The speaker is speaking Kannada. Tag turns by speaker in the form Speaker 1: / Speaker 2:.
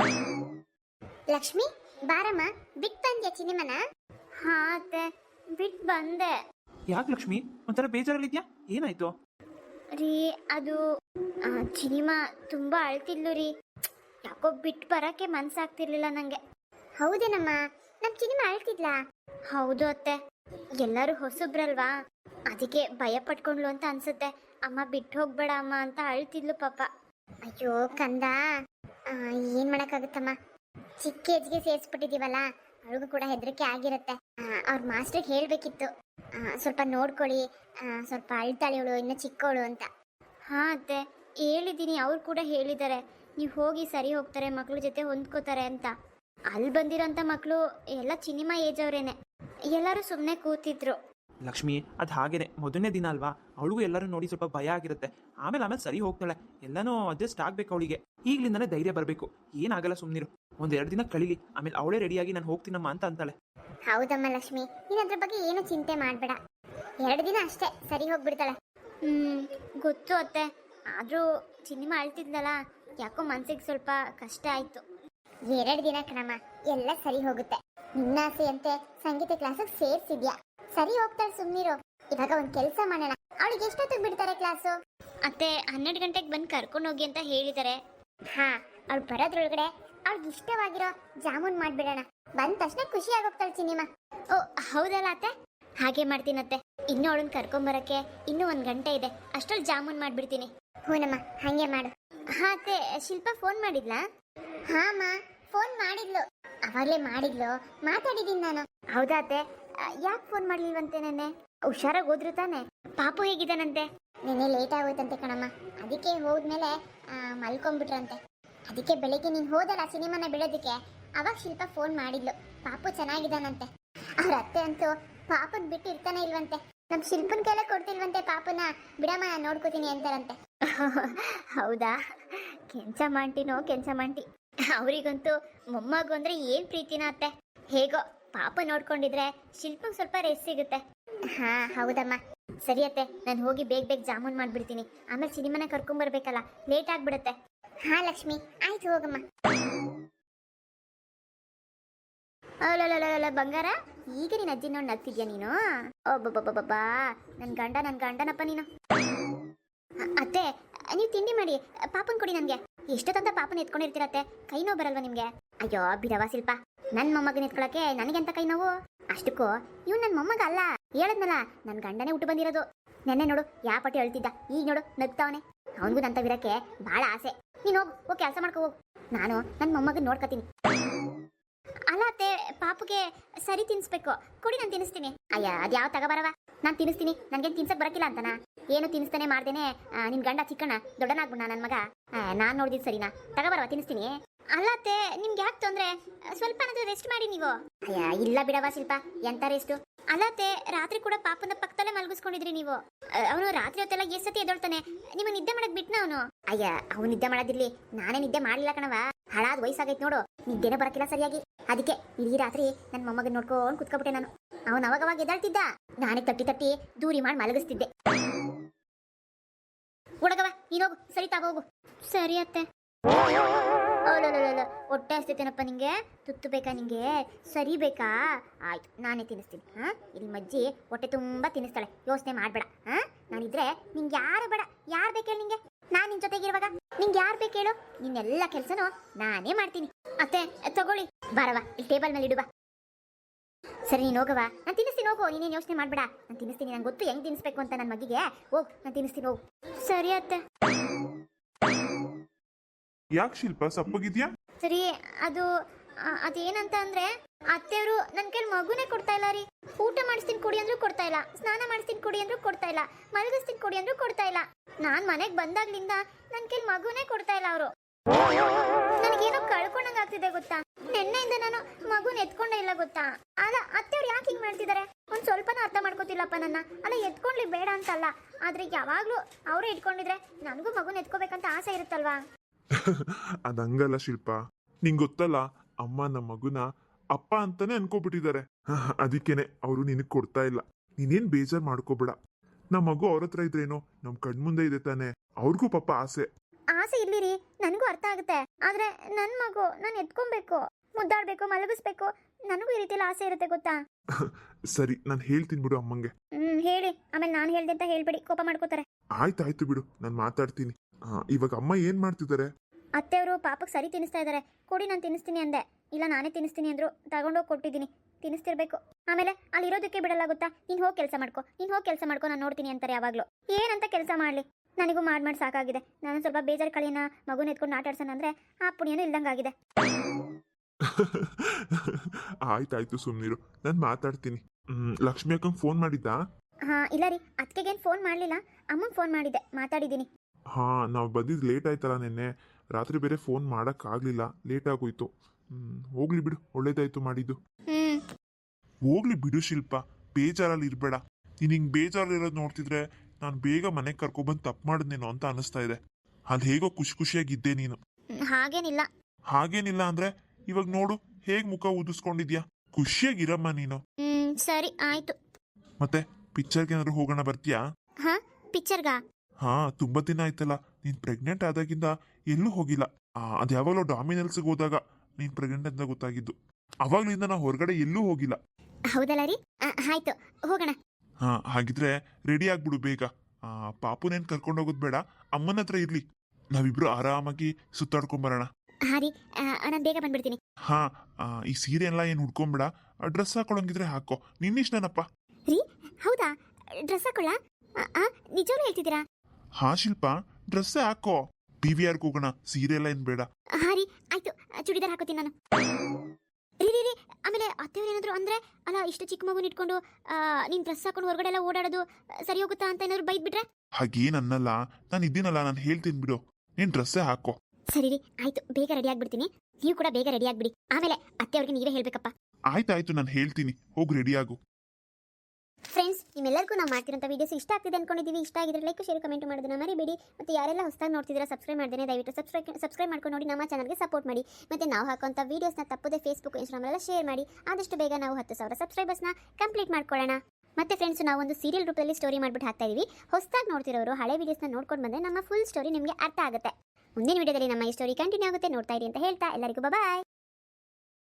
Speaker 1: ಲಕ್ಷ್ಮಿ ಬಾರಮ್ಮ, ಬಿಟ್ ಬಂದ್ಯಾ ಸಿನಿಮಾನ? ಹಾ ಅತ್ತೆ, ಬಿಟ್ ಬಂದೆ.
Speaker 2: ಯಾಕೆ ಲಕ್ಷ್ಮಿ, ಒಂಥರ ಬೇಜಾರಲ್ಲಿದ್ಯಾ? ಏನಾಯ್ತು?
Speaker 1: ರೀ ಅದು ಸಿನಿಮಾ ತುಂಬಾ ಅಳ್ತಿದ್ಲು ರೀ. ಯಾಕೋ ಬಿಟ್ಟು ಬರಕ್ಕೆ ಮನ್ಸಾಗ್ತಿರ್ಲಿಲ್ಲ ನಂಗೆ. ಹೌದೇನಮ್ಮ, ನಮ್ ಸಿನಿಮಾ ಅಳ್ತಿದ್ಲಾ? ಹೌದು ಅತ್ತೆ, ಎಲ್ಲರೂ ಹೊಸಬ್ರಲ್ವಾ, ಅದಕ್ಕೆ ಭಯ ಪಟ್ಕೊಂಡ್ಲು ಅಂತ ಅನ್ಸುತ್ತೆ. ಅಮ್ಮ ಬಿಟ್ಟು ಹೋಗ್ಬೇಡ ಅಮ್ಮ ಅಂತ ಅಳ್ತಿದ್ಲು ಪಾಪ. ಅಯ್ಯೋ ಕಂದ, ಏನ್ ಮಾಡಕ್ಕಾಗುತ್ತಮ್ಮ, ಚಿಕ್ಕ ಏಜ್ಗೆ ಸೇರಿಸ್ಬಿಟ್ಟಿದೀವಲ್ಲ, ಅವಳಿಗೂ ಕೂಡ ಹೆದರಿಕೆ ಆಗಿರುತ್ತೆ. ಅವ್ರ ಮಾಸ್ಟ್ರಿಗೆ ಹೇಳ್ಬೇಕಿತ್ತು, ಸ್ವಲ್ಪ ನೋಡ್ಕೊಳ್ಳಿ, ಸ್ವಲ್ಪ ಅಳ್ತಾಳೆ ಇವಳು, ಇನ್ನು ಚಿಕ್ಕವಳು ಅಂತ. ಹಾ ಅತ್ತೆ, ಹೇಳಿದ್ದೀನಿ, ಅವ್ರು ಕೂಡ ಹೇಳಿದ್ದಾರೆ, ನೀವು ಹೋಗಿ ಸರಿ ಹೋಗ್ತಾರೆ, ಮಕ್ಳ ಜೊತೆ ಹೊಂದ್ಕೋತಾರೆ ಅಂತ. ಅಲ್ಲಿ ಬಂದಿರೋಂಥ ಮಕ್ಕಳು ಎಲ್ಲ ಸಿನಿಮಾ ಏಜ್ ಅವರೇನೆ, ಎಲ್ಲರೂ ಸುಮ್ಮನೆ ಕೂತಿದ್ರು.
Speaker 2: ಲಕ್ಷ್ಮಿ, ಅದು ಹಾಗೇನೆ, ಮೊದಲನೇ ದಿನ ಅಲ್ವಾ, ಅವಳಿಗೂ ಎಲ್ಲರೂ ನೋಡಿ ಸ್ವಲ್ಪ ಭಯ ಆಗಿರುತ್ತೆ. ಆಮೇಲೆ ಸರಿ ಹೋಗ್ತಾಳೆ, ಎಲ್ಲನೂ ಅಡ್ಜಸ್ಟ್ ಆಗ್ಬೇಕು ಅವಳಿಗೆ. ಈಗಲಿಂದನೇ ಧೈರ್ಯ ಬರಬೇಕು, ಏನಾಗಲ್ಲ, ಸುಮ್ಮನಿರು. 1-2 ದಿನ ಕಳೀಲಿ, ಆಮೇಲೆ ಅವಳೇ ರೆಡಿಯಾಗಿ ನಾನು ಹೋಗ್ತೀನಮ್ಮ ಅಂತ ಅಂತಾಳೆ.
Speaker 1: ಹೌದಮ್ಮ ಲಕ್ಷ್ಮಿ, ನೀನು ಅದ್ರ ಬಗ್ಗೆ ಏನು ಚಿಂತೆ ಮಾಡಬೇಡ, 2 ದಿನ ಅಷ್ಟೇ ಸರಿ ಹೋಗ್ಬಿಡ್ತಾಳೆ. ಗೊತ್ತು ಅತ್ತೆ, ಆದರೂ ಸಿನಿಮಾ ಅಳ್ತಿದ್ಲಲ್ಲ, ಯಾಕೋ ಮನ್ಸಿಗೆ ಸ್ವಲ್ಪ ಕಷ್ಟ ಆಯ್ತು. 2 ದಿನ ಕ್ರಮ, ಎಲ್ಲ ಸರಿ ಹೋಗುತ್ತೆ. ನಿನ್ನ ಆಸೆಯಂತೆ ಸಂಗೀತ ಕ್ಲಾಸಿಗೆ ಸೇರ್ಸಿದ್ಯಾ, ಸರಿ ಹೋಗ್ತಾಳೆ, ಸುಮ್ಮನಿರು. ಇವಾಗ ಒಂದು ಕೆಲಸ ಮಾಡೋಣ, ಅವಳಿಗೆ ಎಷ್ಟೊತ್ತಿಗೆ ಬಿಡ್ತಾರೆ ಕ್ಲಾಸು? ಅತ್ತೆ 12 ಗಂಟೆಗೆ ಬಂದು ಕರ್ಕೊಂಡು ಹೋಗಿ ಅಂತ ಹೇಳಿದ್ದಾರೆ. ಹಾ, ಅವಳು ಬರೋದ್ರೊಳಗಡೆ ಅವಳಿಗೆ ಇಷ್ಟವಾಗಿರೋ ಜಾಮೂನ್ ಮಾಡ್ಬಿಡೋಣ, ಬಂದ ತಕ್ಷಣ ಖುಷಿ ಆಗೋಗ್ತಾಳೆ ಸಿನಿಮಾ. ಓ ಹೌದಲ್ಲ ಅತ್ತೆ, ಹಾಗೆ ಮಾಡ್ತೀನತ್ತೆ. ಇನ್ನು ಅವಳನ್ನ ಕರ್ಕೊಂಬರಕ್ಕೆ ಇನ್ನೂ 1 ಗಂಟೆ ಇದೆ, ಅಷ್ಟರಲ್ಲಿ ಜಾಮೂನ್ ಮಾಡ್ಬಿಡ್ತೀನಿ. ಹೂನಮ್ಮ, ಹಾಗೆ ಮಾಡು. ಹಾ ಅತ್ತೆ, ಶಿಲ್ಪ ಫೋನ್ ಮಾಡಿದ್ಲಾ? ಹಾ ಅಮ್ಮ, ಫೋನ್ ಮಾಡಿದ್ಲು, ಅವಾಗಲೇ ಮಾಡಿದ್ಲು, ಮಾತಾಡಿದ್ದೀನಿ ನಾನು. ಹೌದಾ ಅತ್ತೆ, ಯಾಕೆ ಫೋನ್ ಮಾಡ್ಲಿಲ್ವಂತೆ ನೆನ್ನೆ? ಹುಷಾರಾಗಿ ಹೋದ್ರು ತಾನೆ? ಪಾಪು ಹೇಗಿದ್ದಾನಂತೆ? ನೆನ್ನೆ ಲೇಟ್ ಆಗೋಯ್ತಂತೆ ಕಣಮ್ಮ, ಅದಕ್ಕೆ ಹೋದ್ಮೇಲೆ ಮಲ್ಕೊಂಡ್ಬಿಟ್ರಂತೆ. ಅದಕ್ಕೆ ಬೆಳಿಗ್ಗೆ ನೀನು ಹೋದಲ್ಲ ಸಿನಿಮಾನ ಬಿಡೋದಕ್ಕೆ, ಅವಾಗ ಶಿಲ್ಪ ಫೋನ್ ಮಾಡಿದ್ಲು, ಪಾಪು ಚೆನ್ನಾಗಿದ್ದಾನಂತೆ. ಅವ್ರ ಅತ್ತೆ ಅಂತೂ ಪಾಪನ್ ಬಿಟ್ಟು ಇರ್ತಾನೆ ಇಲ್ವಂತೆ, ನಮ್ ಶಿಲ್ಪನ್ ಕೈಲೇ ಕೊಡ್ತಿಲ್ವಂತೆ ಪಾಪನ, ಬಿಡಮ್ಮ ನಾನು ನೋಡ್ಕೋತೀನಿ ಅಂತಾರಂತೆ. ಹೌದಾ? ಕೆಂಚ ಮಾಡ್ತೀನೋ ಕೆಂಚ ಮಾಡ್ತಿ, ಅವರಿಗಂತೂ ಮೊಮ್ಮಗು ಅಂದ್ರೆ ಏನ್ ಪ್ರೀತಿನ ಅತ್ತೆ. ಹೇಗೋ ಪಾಪ ನೋಡ್ಕೊಂಡಿದ್ರೆ ಶಿಲ್ಪಂಗೆ ಸ್ವಲ್ಪ ರೆಸ್ಟ್ ಸಿಗುತ್ತೆ. ಹಾ ಹೌದಮ್ಮ, ಸರಿ ಅತ್ತೆ, ನಾನು ಹೋಗಿ ಬೇಗ ಜಾಮೂನ್ ಮಾಡ್ಬಿಡ್ತೀನಿ, ಆಮೇಲೆ ಸಿನಿಮಾನ ಕರ್ಕೊಂಡ್ಬರ್ಬೇಕಲ್ಲ, ಲೇಟ್ ಆಗ್ಬಿಡುತ್ತೆ. ಹಾ ಲಕ್ಷ್ಮಿ, ಆಯ್ತು ಹೋಗಮ್ಮ. ಅಲ್ಲ ಬಂಗಾರ, ಈಗ ನೀನು ಅಜ್ಜಿ ನೋಡಿ ನಗ್ತಿದ್ಯಾ ನೀನು? ಒಬ್ಬೊಬ್ಬಬ್ಬಬ್ಬಾ, ನನ್ನ ಗಂಡನಪ್ಪ ನೀನು. ಅತ್ತೆ, ನೀವು ತಿಂಡಿ ಮಾಡಿ ಪಾಪನ್ ಕೊಡಿ ನನಗೆ. ಎಷ್ಟೊತ್ತಂತ ಪಾಪನ ಎತ್ಕೊಂಡಿರ್ತೀರತ್ತೆ, ಕೈ ನೋವು ಬರಲ್ವಾ ನಿಮ್ಗೆ? ಅಯ್ಯೋ ಬಿಡವಾ ಶಿಲ್ಪ, ನನ್ನ ಮೊಮ್ಮಗನ ಎತ್ಕೊಳಕ್ಕೆ ನನಗೆಂತ ಕೈ ನೋವು? ಅಷ್ಟಕ್ಕೂ ಇವ್ ನನ್ನ ಮೊಮ್ಮಗ ಅಲ್ಲ, ಹೇಳದ್ನಲ್ಲ, ನನ್ನ ಗಂಡನೇ ಹುಟ್ಟು ಬಂದಿರೋದು. ನೆನ್ನೆ ನೋಡು ಯಾವ ಪಟ್ಟಿ ಅಳ್ತಿದ್ದ, ಈಗ ನೋಡು ನಗ್ತಾವನೆ. ಅವನಿಗೂ ನಂತ ವಿರಕ್ಕೆ ಬಹಳ ಆಸೆ. ನೀನು ಹೋಗಿ ಕೆಲಸ ಮಾಡ್ಕೋ ಹೋಗು, ನಾನು ನನ್ನ ಮೊಮ್ಮಗನ್ ನೋಡ್ಕೊತೀನಿ. ಅಲ್ಲ ಅತ್ತೆ, ಪಾಪುಗೆ ಸರಿ ತಿನ್ಸ್ಬೇಕು, ಕೊಡಿ ನಾನು ತಿನ್ನಿಸ್ತೀನಿ. ಅಯ್ಯ ಅದ್ಯಾವ ತಗೋಬರವ, ನಾನು ತಿನ್ನಿಸ್ತೀನಿ, ನನಗೇನು ತಿನ್ಸಕ್ ಬರಕಿಲ್ಲ ಅಂತನಾ? ಏನು ತಿನ್ನಿಸ್ತಾನೆ ಮಾಡ್ದೇನೆ ನಿನ್ ಗಂಡ ಚಿಕ್ಕಣ್ಣ ದೊಡ್ಡನಾಗ್ಬಿಡ ನನ್ನ ಮಗ. ನಾನು ನೋಡಿದ್ ಸರಿನಾ? ತಗೋಬರವ, ತಿನ್ನಿಸ್ತೀನಿ. ಅಲ್ಲ ಅತ್ತೆ, ನಿಮ್ಗೆ ಯಾಕೆ ತೊಂದ್ರೆ? ಸ್ವಲ್ಪ ರೆಸ್ಟ್ ಮಾಡಿ ನೀವು. ಅಯ್ಯ ಇಲ್ಲ ಬಿಡವಾ ಶಿಲ್ಪ, ಎಂತ ರೆಸ್ಟು? ಅಲ್ಲ ಅತ್ತೆ, ರಾತ್ರಿ ಕೂಡ ಪಾಪನ ಪಕ್ಕದಲ್ಲೇ ಮಲಗಿಸ್ಕೊಂಡಿದ್ರಿ ನೀವು. ಅವನು ರಾತ್ರಿ ಹೊತ್ತೆಲ್ಲ ಎಷ್ಟು ಸತಿ ಎದ್ದೊಳ್ತಾನೆ, ನಿಮ್ಮ ನಿದ್ದೆ ಮಾಡಕ್ ಬಿಟ್ನ ಅವನು? ಅಯ್ಯ ಅವ್ನು ನಿದ್ದೆ ಮಾಡೋದಿರ್ಲಿ, ನಾನೇ ನಿದ್ದೆ ಮಾಡ್ಲಿಲ್ಲ ಕಣವ, ಹಾಳಾದ ವಯಸ್ಸಾಗೈತ್ ನೋಡು, ನಿದ್ದೆನೇ ಬರಕಿಲ್ಲ ಸರಿಯಾಗಿ. ಅದಕ್ಕೆ ಇಡೀ ರಾತ್ರಿ ನನ್ನ ಮೊಮ್ಮಗನ್ ನೋಡ್ಕೊಂಡು ಕುತ್ಕೊಬಿಟ್ಟೆ ನಾನು. ಅವನು ಅವಾಗವಾಗ ಎದ್ದಾಳ್ತಿದ್ದ, ನಾನೇ ತಟ್ಟಿ ದೂರಿ ಮಾಡಿ ಮಲಗಿಸ್ತಿದ್ದೆ. ಹುಡುಗವ ನೀನೋಗು, ಸರಿ ಹೋಗು. ಸರಿ ಅತ್ತೆ. ಹೊಟ್ಟೆ ಹಸ್ತೈತೇನಪ್ಪ ನಿಂಗೆ? ತುತ್ತು ಬೇಕಾ ನಿಂಗೆ? ಸರಿ ಬೇಕಾ? ಆಯ್ತು, ನಾನೇ ತಿನ್ನಿಸ್ತೀನಿ. ಇಲ್ಲಿ ಮಜ್ಜಿ ಹೊಟ್ಟೆ ತುಂಬಾ ತಿನ್ನಿಸ್ತಾಳೆ, ಯೋಚನೆ ಮಾಡ್ಬೇಡ. ನಾನಿದ್ರೆ ನಿಂಗೆ ಯಾರು ಬೇಡ, ಯಾರು ಬೇಕೇಳು ನಿಂಗೆ? ನಾನು ನಿನ್ ಜೊತೆಗಿರುವಾಗ ನಿಂಗೆ ಯಾರು ಬೇಕೇಳು? ನಿನ್ನೆಲ್ಲ ಕೆಲಸನೂ ನಾನೇ ಮಾಡ್ತೀನಿ. ಅತ್ತೆ ತಗೊಳ್ಳಿ, ಬಾರವ, ಇಲ್ಲಿ ಟೇಬಲ್ ಮೇಲೆ ಇಡುವ. ಸರಿ ನೀನು ಹೋಗವ, ನಾನು ತಿನ್ನಿಸ್ತೀನಿ, ಹೋಗು, ನೀನೇನು ಯೋಚನೆ ಮಾಡ್ಬೇಡ, ನಾನು ತಿನ್ನಿಸ್ತೀನಿ. ನಂಗೆ ಗೊತ್ತು ಹೆಂಗ್ ತಿನ್ನಿಸ್ಬೇಕು ಅಂತ ನನ್ನ ಮಗಿಗೆ. ಹೋಗು, ನಾನು ತಿನ್ನಿಸ್ತೀನಿ, ಹೋಗು. ಸರಿ ಅತ್ತೆ.
Speaker 3: ಯಾಕೆ ಶಿಲ್ಪ ಸಪ್ಪಗಿದ್ಯಾ?
Speaker 1: ಸರಿ, ಅದೇನಂತ ಅಂದ್ರೆ ಅತ್ತೆಯವರು ನನ್ನ ಕೈಲಿ ಮಗುನೇ ಕೊಡ್ತಾ ಇಲ್ಲ ರೀ. ಊಟ ಮಾಡಿಸ್ತೀನಿ ಕೊಡಿ ಅಂದ್ರೂ ಕೊಡ್ತಾ ಇಲ್ಲ, ಸ್ನಾನ ಮಾಡಿಸ್ತೀನಿ ಕೊಡಿ ಅಂದ್ರೂ ಕೊಡ್ತಾ ಇಲ್ಲ, ಮಲಗಿಸ್ತೀನಿ ಕೊಡಿ ಅಂದ್ರೂ ಕೊಡ್ತಾ ಇಲ್ಲ. ನಾನ್ ಮನೆಗೆ ಬಂದಾಗ್ಲಿಂದ ನನ್ನ ಕೈಲಿ ಮಗುನೇ ಕೊಡ್ತಾ ಇಲ್ಲ ಅವರು. ನನಗೇನೋ ಕಳ್ಕೊಂಡಂಗ ಆಗ್ತಿದೆ ಗೊತ್ತಾ? ನೆನ್ನೆಯಿಂದ ನಾನು ಮಗುನ ಎತ್ಕೊಂಡೇ ಇಲ್ಲ ಗೊತ್ತಾ? ಅಲ್ಲ ಅತ್ತೆಯವ್ರು ಯಾಕೆ ಹಿಂಗ್ ಮಾಡ್ತಿದ್ದಾರೆ? ಒಂದ್ ಸ್ವಲ್ಪನೂ ಅರ್ಥ ಮಾಡ್ಕೋತಿಲ್ಲಪ್ಪ ನನ್ನ. ಅಲ್ಲ ಎತ್ಕೊಂಡ್ಲಿ ಬೇಡ ಅಂತಲ್ಲ, ಆದ್ರೆ ಯಾವಾಗ್ಲೂ ಅವರೇ ಇಟ್ಕೊಂಡಿದ್ರೆ ನನಗೂ ಮಗುನ ಎತ್ಕೋಬೇಕಂತ ಆಸೆ ಇರುತ್ತಲ್ವಾ?
Speaker 3: ಅದಂಗಲ್ಲ ಶಿಲ್ಪ, ನಿಂಗ್ ಗೊತ್ತಲ್ಲ, ಅಮ್ಮ ನಮ್ಮ ಮಗುನ ಅಪ್ಪ ಅಂತಾನೆ ಅನ್ಕೋಬಿಟ್ಟಿದ್ದಾರೆ. ಅದಕ್ಕೇನೆ ಅವರು ನಿನಗ್ ಕೊಡ್ತಾ ಇಲ್ಲ. ನೀನೇನ್ ಬೇಜಾರ್ ಮಾಡ್ಕೋಬೇಡ, ನಮ್ಮ ಮಗು ಅವ್ರ ಹತ್ರ ಇದ್ರೇನೋ, ನಮ್ ಕಣ್ಮುಂದೆ ಇದೆ ತಾನೆ, ಅವ್ರಿಗೂ ಪಾಪ ಆಸೆ.
Speaker 1: ಆಸೆ ಇರ್ಲಿರಿ, ನನಗೂ ಅರ್ಥ ಆಗುತ್ತೆ. ಆದ್ರೆ ನನ್ನ ಮಗು ನಾನು ಎತ್ಕೊಬೇಕು, ಮುದ್ದಾಡ್ಬೇಕು, ಮಲಗಿಸ್ಬೇಕು. ನನಗೂ ಈ ರೀತಿಯಲ್ಲಿ ಆಸೆ ಇರುತ್ತೆ ಗೊತ್ತಾ.
Speaker 3: ಸರಿ, ನಾನು ಹೇಳ್ತೀನಿ ಬಿಡು ಅಮ್ಮಂಗೆ.
Speaker 1: ಹೇಳಿ, ಆಮೇಲೆ ನಾನು ಹೇಳ್ದೆ ಅಂತ ಹೇಳ್ಬೇಡಿ, ಕೋಪ ಮಾಡ್ಕೋತಾರೆ.
Speaker 3: ಆಯ್ತಾಯ್ತು ಬಿಡು, ನಾನು ಮಾತಾಡ್ತೀನಿ. ಇವಾಗ ಅಮ್ಮ ಏನ್ ಮಾಡ್ತಿದ್ದಾರೆ?
Speaker 1: ಅತ್ತೆಯವರು ಪಾಪಕ್ಕೆ ಸರಿ ತಿನ್ನಿಸ್ತಾ ಇದ್ದಾರೆ. ಕೊಡಿ, ನಾನು ತಿನ್ನಿಸ್ತೀನಿ ಅಂದೆ. ಇಲ್ಲ, ನಾನೇ ತಿನ್ನಿಸ್ತೀನಿ ಅಂದ್ರು. ತಗೊಂಡೋಗಿ ಕೊಟ್ಟಿದ್ದೀನಿ, ತಿನ್ನಿಸ್ತಿರ್ಬೇಕು. ಆಮೇಲೆ ಅಲ್ಲಿ ಇರೋದಕ್ಕೆ ಬಿಡಲ್ಲ ಗೊತ್ತಾ. ನೀನು ಹೋಗಿ ಕೆಲಸ ಮಾಡ್ಕೊ, ನಾನು ನೋಡ್ತೀನಿ ಅಂತಾರೆ ಯಾವಾಗಲೂ. ಏನಂತ ಕೆಲಸ ಮಾಡಲಿ, ನನಗೂ ಮಾಡಿ ಸಾಕಾಗಿದೆ. ನಾನು ಸ್ವಲ್ಪ ಬೇಜಾರು ಕಳಿಯನ್ನ ಮಗುನ ಎತ್ಕೊಂಡು ಆಟ ಆಡ್ಸೋಣ ಅಂದ್ರೆ ಆ ಪುಣ್ಯನೂ ಇಲ್ದಂಗಾಗಿದೆ.
Speaker 3: ಆಯ್ತಾಯ್ತು, ಸುಮ್ನಿರು, ನಾನು ಮಾತಾಡ್ತೀನಿ. ಲಕ್ಷ್ಮಿ ಅಕ್ಕಂಗೆ ಫೋನ್ ಮಾಡಿದ್ದಾ?
Speaker 1: ಇಲ್ಲ ರೀ, ಅತ್ತಿಗೆಗೇನು ಫೋನ್ ಮಾಡಲಿಲ್ಲ, ಅಮ್ಮಂಗೆ ಫೋನ್ ಮಾಡಿದ್ದೆ, ಮಾತಾಡಿದ್ದೀನಿ.
Speaker 3: ನಾವು ಬಂದಿದ್ದು ಲೇಟ್ ಆಯ್ತಲ್ಲ ನಿನ್ನೆ ರಾತ್ರಿ, ಬೇರೆ ಫೋನ್ ಮಾಡೋಕ್ಕಾಗಲಿಲ್ಲ, ಲೇಟ್ ಆಗೋಯ್ತು. ಹೋಗ್ಲಿ ಬಿಡು, ಒಳ್ಳೇದಾಯ್ತು ಮಾಡಿದ್ದು. ಹೋಗ್ಲಿ ಬಿಡು ಶಿಲ್ಪ, ಬೇಜಾರಲ್ಲಿ ಇರಬೇಡ. ನೀನು ಹಿಂಗೆ ಬೇಜಾರಲ್ಲಿರೋದು ನೋಡ್ತಿದ್ರೆ ನಾನು ಬೇಗ ಮನೆಗೆ ಕರ್ಕೊಬಂದು ತಪ್ಪು ಮಾಡಿದ್ನೇನೋ ಅಂತ ಅನಿಸ್ತಾ ಇದೆ. ಅಲ್ಲಿ ಹೇಗೋ ಖುಷಿಯಾಗಿದ್ದೆ ನೀನು. ಹಾಗೇನಿಲ್ಲ ಅಂದ್ರೆ ಇವಾಗ ನೋಡು ಹೇಗ್ ಮುಖ ಊದಿಸ್ಕೊಂಡಿದ್ಯಾ. ಖುಷಿಯಾಗಿರಮ್ಮ ನೀನು.
Speaker 1: ಸರಿ ಆಯ್ತು.
Speaker 3: ಮತ್ತೆ ಪಿಕ್ಚರ್ಗೆ ಏನಾದ್ರು ಹೋಗೋಣ, ಬರ್ತೀಯಾ?
Speaker 1: ಪಿಕ್ಚರ್ಗಾ?
Speaker 3: ತುಂಬಾ ದಿನ ಆಯ್ತಲ್ಲ, ನೀನ್ ಪ್ರೆಗ್ನೆಂಟ್ ಆದಾಗಿಂದ ಎಲ್ಲೂ ಹೋಗಿಲ್ಲ. ಅದು ಯಾವಾಗಲೂ ಡಾಮಿನಲ್ಸ್ಗೆ ಹೋದಾಗ ನೀನ್ ಪ್ರೆಗ್ನೆಂಟ್ ಅಂತ ಗೊತ್ತಾಗಿದ್ದು. ಅವಾಗ್ಲಿಂದ ನಾ ಹೊರಗಡೆ ಎಲ್ಲೂ ಹೋಗಿಲ್ಲ.
Speaker 1: ಹೌದಲ್ಲ ರೀ, ಆಯ್ತು ಹೋಗೋಣ.
Speaker 3: ಹಾಗಿದ್ರೆ ರೆಡಿ ಆಗ್ಬಿಡು ಬೇಗ. ಪಾಪುನೇನ್ ಕರ್ಕೊಂಡು ಹೋಗೋದು ಬೇಡ, ಅಮ್ಮನ ಹತ್ರ ಇರ್ಲಿ, ನಾವಿಬ್ರು ಆರಾಮಾಗಿ ಸುತ್ತಾಡ್ಕೊಂಬರೋಣ.
Speaker 1: ರೀ, ನಾನು ಬೇಗ ಬಂದ್ಬಿಡ್ತೀನಿ.
Speaker 3: ಈ ಸೀರೆ ಎಲ್ಲ ಏನು ಹುಡ್ಕೊಂಬಿಡ, ಡ್ರೆಸ್ ಹಾಕೊಳ್ಳಂಗಿದ್ರೆ ಹಾಕೋ, ನಿನ್ನಿಷ್ಟನಪ್ಪ.
Speaker 1: ರೀ, ಹೌದಾ? ಡ್ರೆಸ್ ಹಾಕೊಳ್ಳ? ನಿಜವೂ ಹೇಳ್ತಿದ್ದೀರಾ?
Speaker 3: ಶಿಲ್ಪ, ಡ್ರೆಸ್ಸೇ ಹಾಕೋ. PVRಗೆ ಹೋಗೋಣ, ಸೀರೆ ಎಲ್ಲ ಏನ್ ಬೇಡ.
Speaker 1: ರೀ, ಆಯ್ತು, ಚೂಡಿದಾರ್ ಹಾಕೋತೀನಿ ನಾನು. ರೀ, ಆಮೇಲೆ ಅತ್ತೆಯವ್ರು ಏನಾದ್ರು ಅಂದ್ರೆ, ಅಲ್ಲ ಇಷ್ಟು ಚಿಕ್ಕ ಮಗುನ ಇಟ್ಕೊಂಡು ನೀನ್ ಡ್ರೆಸ್ ಹಾಕೊಂಡು ಹೊರಗಡೆ ಎಲ್ಲ ಓಡಾಡೋದು ಸರಿ ಹೋಗುತ್ತಾ ಅಂತ ಏನಾದ್ರು ಬೈದ್ ಬಿಟ್ರೆ?
Speaker 3: ಹಾಗೇನ್ ಅನ್ನಲ್ಲ, ನಾನು ಇದ್ದೀನಲ್ಲ, ನಾನು ಹೇಳ್ತೀನಿ ಬಿಡು, ನೀನ್ ಡ್ರೆಸ್ಸೇ ಹಾಕೋ.
Speaker 1: ಸರಿ ರೀ, ಆಯ್ತು, ಬೇಗ ರೆಡಿ ಆಗ್ಬಿಡ್ತೀನಿ. ನೀವು ಕೂಡ ಬೇಗ ರೆಡಿ ಆಗ್ಬಿಡಿ, ಆಮೇಲೆ ಅತ್ತೆಯವ್ರಿಗೆ ನೀವೇ ಹೇಳ್ಬೇಕಪ್ಪ.
Speaker 3: ಆಯ್ತಾಯ್ತು, ನಾನು ಹೇಳ್ತೀನಿ, ಹೋಗಿ ರೆಡಿ ಆಗು.
Speaker 1: ಫ್ರೆಂಡ್ಸ್, ನಿಮ್ಮೆಲ್ಲರಿಗೂ ನಾವು ಮಾಡ್ತಿರೋಂಥ ವೀಡಿಯೋಸ್ ಇಷ್ಟ ಆಗ್ತಿದೆ ಅನ್ಕೊಂಡಿದ್ದೀವಿ. ಇಷ್ಟ ಆಗಿದ್ರೆ ಲೈಕ್, ಶೇರ್, ಕಮೆಂಟ್ ಮಾಡೋದನ್ನ ಮರಿಬೇಡಿ. ಮತ್ತು ಯಾರೆಲ್ಲ ಹೊಸದಾಗಿ ನೋಡ್ತಿದ್ದೀರಾ ಸಬ್ಸ್ಕ್ರೈಬ್ ಮಾಡ್ದೇನೆ ದಯವಿಟ್ಟು ಸಬ್ಸ್ಕ್ರೈಬ್ ಮಾಡ್ಕೊಂಡು ನೋಡಿ, ನಮ್ಮ ಚಾನಲ್ಗೆ ಸಪೋರ್ಟ್ ಮಾಡಿ. ಮತ್ತು ನಾವು ಹಾಕುವಂಥ ವೀಡಿಯೋಸ್ನ ತಪ್ಪದೆ ಫೇಸ್ಬುಕ್, ಇನ್ಸ್ಟಾಗ್ರಾಮ್ ಎಲ್ಲ ಶೇರ್ ಮಾಡಿ. ಆದಷ್ಟು ಬೇಗ ನಾವು 10,000 ಸಬ್ಸ್ಕ್ರೈಬರ್ಸ್ನ ಕಂಪ್ಲೀಟ್ ಮಾಡ್ಕೊಳ್ಳೋಣ. ಮತ್ತೆ ಫ್ರೆಂಡ್ಸ್, ನಾವು ಒಂದು ಸೀರಿಯಲ್ ರೂಪದಲ್ಲಿ ಸ್ಟೋರಿ ಮಾಡಿಬಿಟ್ಟು ಹಾಕ್ತಾ ಇದೀವಿ. ಹೊಸದಾಗಿ ನೋಡ್ತಿರೋರು ಹಳೆ ವೀಡಿಯೋಸ್ನ ನೋಡ್ಕೊಂಡು ಬಂದರೆ ನಮ್ಮ ಫುಲ್ ಸ್ಟೋರಿ ನಿಮಗೆ ಅರ್ಥ ಆಗುತ್ತೆ. ಮುಂದಿನ ವೀಡಿಯೋದಲ್ಲಿ ನಮ್ಮ ಈ ಸ್ಟೋರಿ ಕಂಟಿನ್ಯೂ ಆಗುತ್ತೆ, ನೋಡ್ತಾ ಇರಿ ಅಂತ ಹೇಳ್ತಾ ಎಲ್ಲರಿಗೂ ಬಾಯ್.